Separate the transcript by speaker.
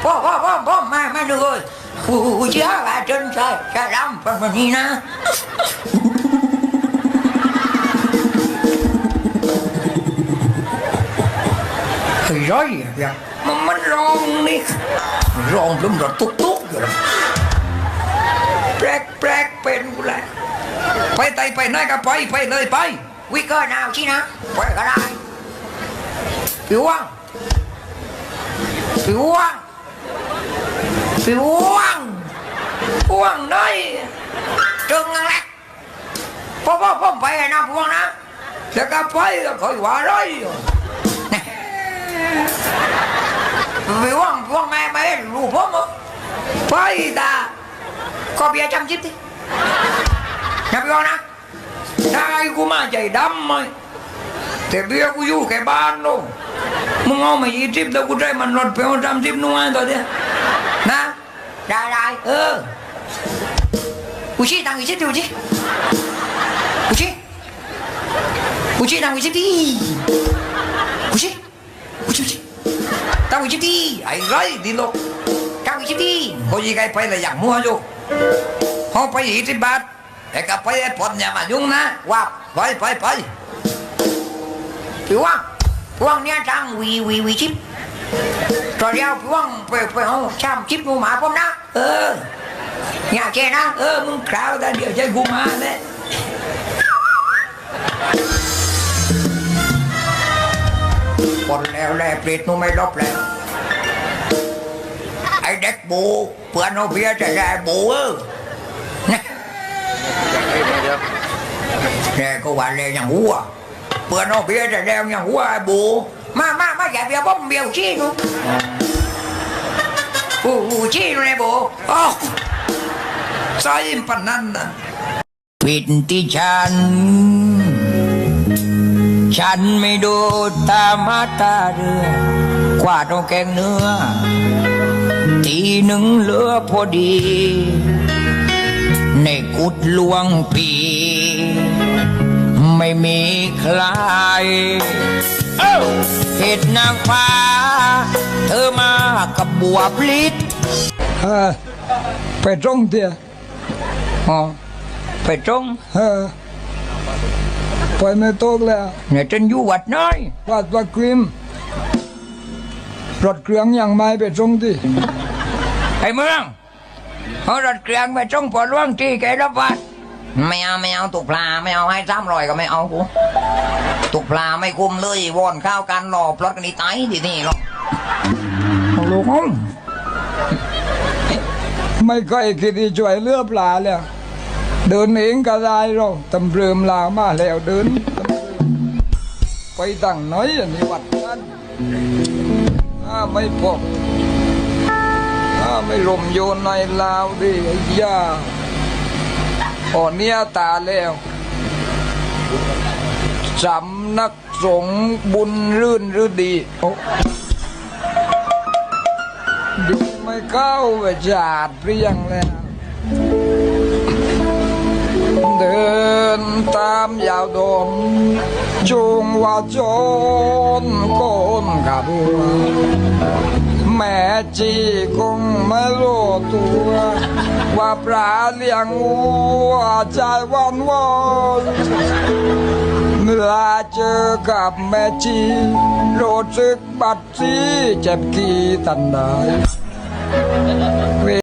Speaker 1: พ่อมาดูเลยผู้เชี่ยวชาญใช่รำประมาณนี้นะเฮ้ยร้อยอย่างมันร้องนี่ร้องลมรถตุ๊กอยู่แล้วแปลกเป็นกูเลยไปไปไหนก็ไปเลยไปวิกเกอร์นาวชี้นะไปก็ได้ผิวว่างได้จึงนั่นแหละพ่อไปนะพวงนะแล้วก็ไปก็คอยว่าร้อยผิวว่างแม่รู้พ่อมั้งไปตาก็เบียจำจิตดินะพี่นะได้กูมาใจดำไหมแต่เบียกูอยู่แค่บ้านโน่มึงเอามา20แต่กูได้มันรถไปเอา30นู่นตัวเดียวนะได้กูชี้ตังค์20ดูชี้ตังค์20ดิกูชี้ตังค์20ดิไอ้ไรดิโลตังค์20ดิเขายิงไงไปเลยอย่างมัวอยู่เขาไป20 บาทแต่ก็ไปไอ้ผลอย่ามายุ่งนะว่าไปผิวพวงเนี้ยจังวีชิปตอนเดียวพวงไปเอาชามชิปกูมาผมนะอย่าแกนะมึงคราวแต่เดี๋ยวใจกูมาเนี่ยปนแล้วแลเปรตนูไม่รบแล้วไอเด็กบูเพื่อนเอาเบียร์จะได้บูเนี่ยก็ว่าเลยอย่างหัวเพื่อนเอาเบียร์จะได้อย่างหัวไอบูมาอย่าเบียร์ผมเบียร์ชี้กูชี้เลยบูใส่ปนนั้นนะปิดที่ฉันไม่ดูตามาตาเรือกว่าต้องแกงเนื้อทีหนึ่งเหลือพอดีในกุดลวงปีไม่มีใครเห็ดนางฟ้าเธอมากับบัวพลิด
Speaker 2: ไปตรงเดียว
Speaker 1: ไปตรง
Speaker 2: ไปไม่ตกแล้ว
Speaker 1: เนี่ยจนอยู่วัดน้อย
Speaker 2: วัดกริมรถเครื่องอย่างไม่ไปตรงที่
Speaker 1: ไอ้เมืองเอารถเครื่องไปตรงปอดล่วงที่แกรับวัดไม่เอาตุกปลาไม่เอาให้300ก็ไม่เอากูตุกปลาไม่คุ้มเลยวอนข้าวกันหลอบรถกันนี่ตายที่นี่หรอก
Speaker 2: ลูกไม่ค่อยคิดที่ช่วยเลือปลาแล้วเดินเองก็ได้เราตำเริมลามาแล้วเดินไปตั้งน้อยอันนี้วัดนั้นไม่พบไม่ลมโยนในลาวดิไอ้ยาเนี้ยตาแล้วสำนักสงฆ์บุญรื่นหรือดีไม่เข้าไปจาดเรียงแล้วเดินตามยาวดมจุงว่าจนโกนกับบัวแม่จีคงไม่รู้ตัวว่าปลาเลี้ยงวัวใจวันเมื่อเจอกับแม่จีรู้สึกบัดซีเจ็บกี่ตันได้